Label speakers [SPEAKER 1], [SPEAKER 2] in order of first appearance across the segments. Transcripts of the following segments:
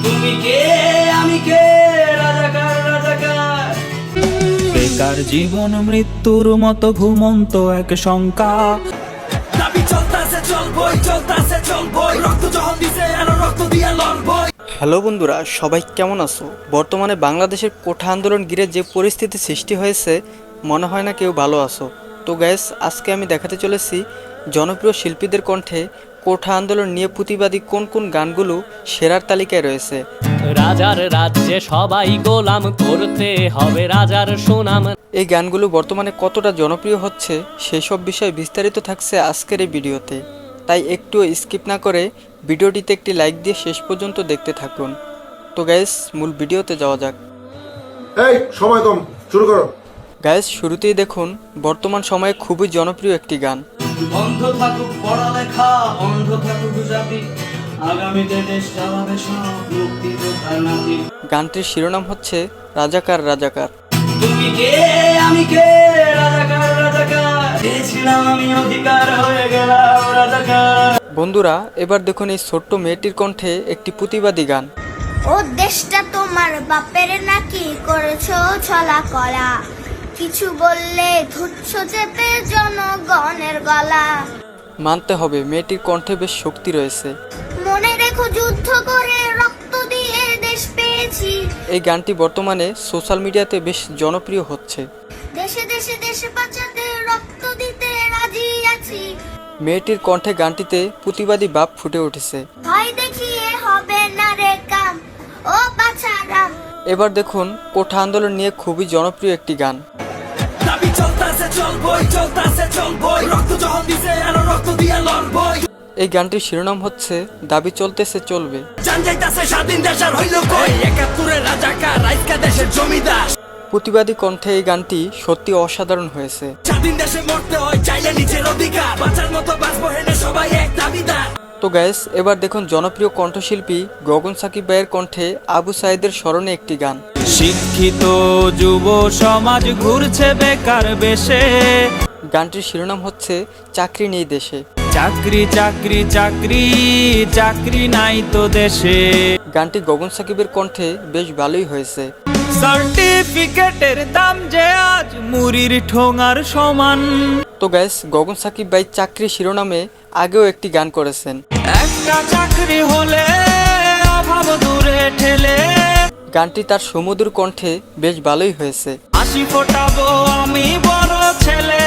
[SPEAKER 1] তুমি কে আমি কে রাজাকার রাজাকার।
[SPEAKER 2] বেকার জীবন মৃত্যুর মতো ঘুমন্ত এক শঙ্কা।
[SPEAKER 1] দাবি চলতাছে চলবই চলতাছে চলবই, রক্ত যখন দিছে আর রক্ত দিয়া লড়বই।
[SPEAKER 3] হ্যালো বন্ধুরা, সবাই কেমন আছো? বর্তমানে বাংলাদেশের কোঠা আন্দোলন ঘিরে যে পরিস্থিতি সৃষ্টি হয়েছে, মনে হয় না কেউ ভালো আছো। তো গ্যাস, আজকে আমি দেখাতে চলেছি জনপ্রিয় শিল্পীদের কণ্ঠে কোঠা আন্দোলন নিয়ে প্রতিবাদী কোন কোন গানগুলো সেরার তালিকায় রয়েছে।
[SPEAKER 4] রাজার রাজ্যে সবাই গোলাম, করতে হবে রাজার সুনাম।
[SPEAKER 3] এই গানগুলো বর্তমানে কতটা জনপ্রিয় হচ্ছে সেই সব বিষয়ে বিস্তারিত থাকছে আজকের এই ভিডিওতে, তাই একটু স্কিপ না করে ভিডিওটিতে একটি লাইক দিয়ে শেষ পর্যন্ত দেখতে থাকুন। তো গ্যাস, মূল ভিডিওতে যাওয়া যাক।
[SPEAKER 5] এই সময় কম, শুরু করো।
[SPEAKER 3] গ্যাস, শুরুতেই দেখুন বর্তমান সময়ে খুবই জনপ্রিয় একটি গান।
[SPEAKER 1] বন্ধ থাকুক পড়ালেখা, অন্ধ থাকুক জাতি, আগামীতে দেশ চালাবে সব মুক্তিযোদ্ধার নাতি।
[SPEAKER 3] গানটির শিরোনাম হচ্ছে রাজাকার রাজাকার।
[SPEAKER 1] তুমি কে আমি কে রাজাকার রাজাকার, চেয়েছিলাম আমি অধিকার হয়ে গেলাম রাজাকার।
[SPEAKER 3] বন্ধুরা, এবার দেখুন এই ছোট্ট মেয়েটির কণ্ঠে একটি প্রতিবাদী গান।
[SPEAKER 6] ও দেশটা তোমার বাপের নাকি, করেছো ছলা কলা, কিছু বললে ধুচ্ছ চেপে জনগণের গলা।
[SPEAKER 3] মানতে হবে মেয়েটির কণ্ঠে বেশ শক্তি রয়েছে।
[SPEAKER 6] মনে রেখো যুদ্ধ করে রক্ত দিয়ে দেশ পেয়েছি,
[SPEAKER 3] এই গানটি বর্তমানে সোশ্যাল মিডিয়াতে বেশ জনপ্রিয় হচ্ছে।
[SPEAKER 6] দেশে দেশে দেশে বাঁচাতে রক্ত দিতে রাজি আছি,
[SPEAKER 3] মেয়েটির কণ্ঠে গানটিতে প্রতিবাদী ভাব ফুটে উঠেছে।
[SPEAKER 6] ভয় দেখিয়ে হবে না রে কাম, ও বাছারাম।
[SPEAKER 3] এবার দেখুন কোঠা আন্দোলন নিয়ে খুবই জনপ্রিয় একটি গান।
[SPEAKER 1] দাবি চলতাছে চলবই চলতাছে চলবই, রক্ত যখন দিছে আর রক্ত দিয়া লড়বই।
[SPEAKER 3] এই গানটির শিরোনাম হচ্ছে দাবি চলতেছে চলবে।
[SPEAKER 1] জান যাইতাছে স্বাধীন দেশ আর হইল কই, ৭১ রাজাকার রাইকা দেশের জমিদার।
[SPEAKER 3] প্রতিবাদী কণ্ঠে এই গানটি সত্যি অসাধারণ হয়েছে।
[SPEAKER 1] স্বাধীন দেশে মরতে হয় চাইলে নিজের অধিকার, বাঁচার মতো বাঁচবো হেনে সবাই এক দাবিদার।
[SPEAKER 3] তো গ্যাস, এবার দেখুন জনপ্রিয় কণ্ঠশিল্পী গগন সাকিব ভাইয়ের কণ্ঠে আবু সাইদের স্মরণে একটি গান।
[SPEAKER 2] শিক্ষিত যুব সমাজ ঘুরছে বেকার বেশে।
[SPEAKER 3] গানটির শিরোনাম হচ্ছে চাকরি নেই দেশে।
[SPEAKER 2] চাকরি চাকরি চাকরি চাকরি নাই তো দেশে।
[SPEAKER 3] গানটি গগন সাকিবের কণ্ঠে বেশ ভালোই হয়েছে।
[SPEAKER 2] সার্টিফিকেটের দাম যে আজ মুড়ির ঠোঙার সমান।
[SPEAKER 3] তো গ্যাস, গগন সাকিব ভাই চাকরি শিরোনামে আগেও একটি গান করেছেন।
[SPEAKER 2] একটা চাকরি হলে অভাব দূরে ঠেলে।
[SPEAKER 3] গানটি তার সুমধুর কণ্ঠে বেশ ভালোই হয়েছে।
[SPEAKER 2] হাসি ফোটাবো আমি বড় ছেলে।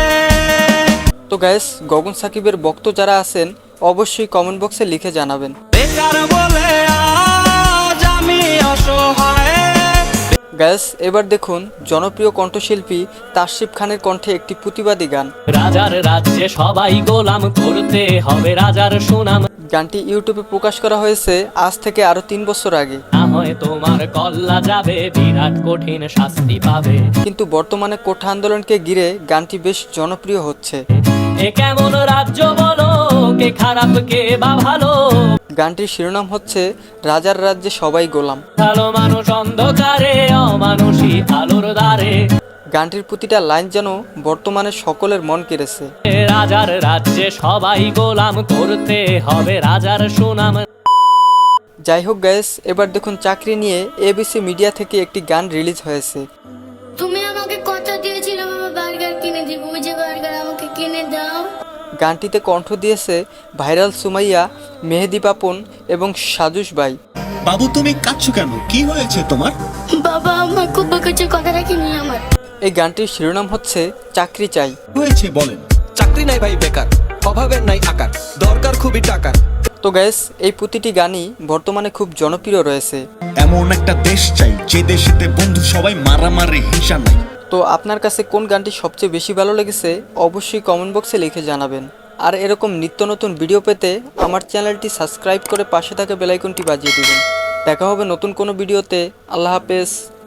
[SPEAKER 3] তো গ্যাস, গগন সাকিবের ভক্ত যারা আছেন অবশ্যই কমেন্ট বক্সে লিখে জানাবেন।
[SPEAKER 2] বেকার বলে আজ আমি অসহায়।
[SPEAKER 3] গ্যাস, এবার দেখুন জনপ্রিয় কণ্ঠশিল্পী তাসরিফ খানের কণ্ঠে একটি প্রতিবাদী গান।
[SPEAKER 4] রাজার রাজ্যে সবাই গোলাম, করতে হবে রাজার সুনাম।
[SPEAKER 3] গানটি ইউটিউবে প্রকাশ করা হয়েছে আজ থেকে আরো 3 বছর আগে।
[SPEAKER 4] না হয় তোমার কল্লা যাবে, বিরাট কঠিন শাস্তি পাবে।
[SPEAKER 3] কিন্তু বর্তমানে কোঠা আন্দোলনকে ঘিরে গানটি বেশ জনপ্রিয় হচ্ছে।
[SPEAKER 4] এ কেমন রাজ্য বলো, কে খারাপ কে বা ভালো।
[SPEAKER 3] গানটির শিরোনাম হচ্ছে রাজার রাজ্যে সবাই গোলাম।
[SPEAKER 4] ভালো মানুষ অন্ধকারে, অমানুষী আলোর দ্বারে।
[SPEAKER 3] গানটির প্রতিটা লাইন যেন বর্তমানে সকলের মন কেড়েছে।
[SPEAKER 4] রাজার রাজ্যে সবাই গোলাম, করতে হবে রাজার সুনাম।
[SPEAKER 3] যাই হোক গ্যাস, এবার দেখুন চাকরি নিয়ে এবিসি মিডিয়া থেকে একটি গান রিলিজ হয়েছে।
[SPEAKER 6] তুমি আমাকে কথা দিয়েছিলে বাবা বার্গার কিনে দিব, ওই যে বার্গার আমাকে কিনে দাও।
[SPEAKER 3] গানটিতে কণ্ঠ দিয়েছে ভাইরাল সুমাইয়া, মেহেদি পাপন এবং সাজুস ভাই।
[SPEAKER 7] বাবু তুমি কাঁদছো কেন? কি হয়েছে তোমার?
[SPEAKER 6] বাবা আমার খুব বকেছে, কথা রাখিনি আমার।
[SPEAKER 3] এই গানটির শিরোনাম হচ্ছে চাকরি চাই।
[SPEAKER 7] হয়েছে বলেন।
[SPEAKER 8] চাকরি নাই ভাই বেকার, অভাবের নাই আকার, দরকার খুবই টাকার।
[SPEAKER 3] তো গ্যাস, এই প্রতিটি গানই বর্তমানে খুব জনপ্রিয় রয়েছে।
[SPEAKER 7] এমন একটা দেশ চাই যে দেশেতে বন্ধু সবাই মারামারি হিংসা নাই।
[SPEAKER 3] তো আপনার কাছে কোন গানটি সবচেয়ে বেশি ভালো লেগেছে অবশ্যই কমেন্ট বক্সে লিখে জানাবেন। আর এরকম নিত্য নতুন ভিডিও পেতে আমার চ্যানেলটি সাবস্ক্রাইব করে পাশে থাকা বেল আইকনটি বাজিয়ে দিবেন। দেখা হবে নতুন কোনো ভিডিওতে। আল্লাহ হাফেজ।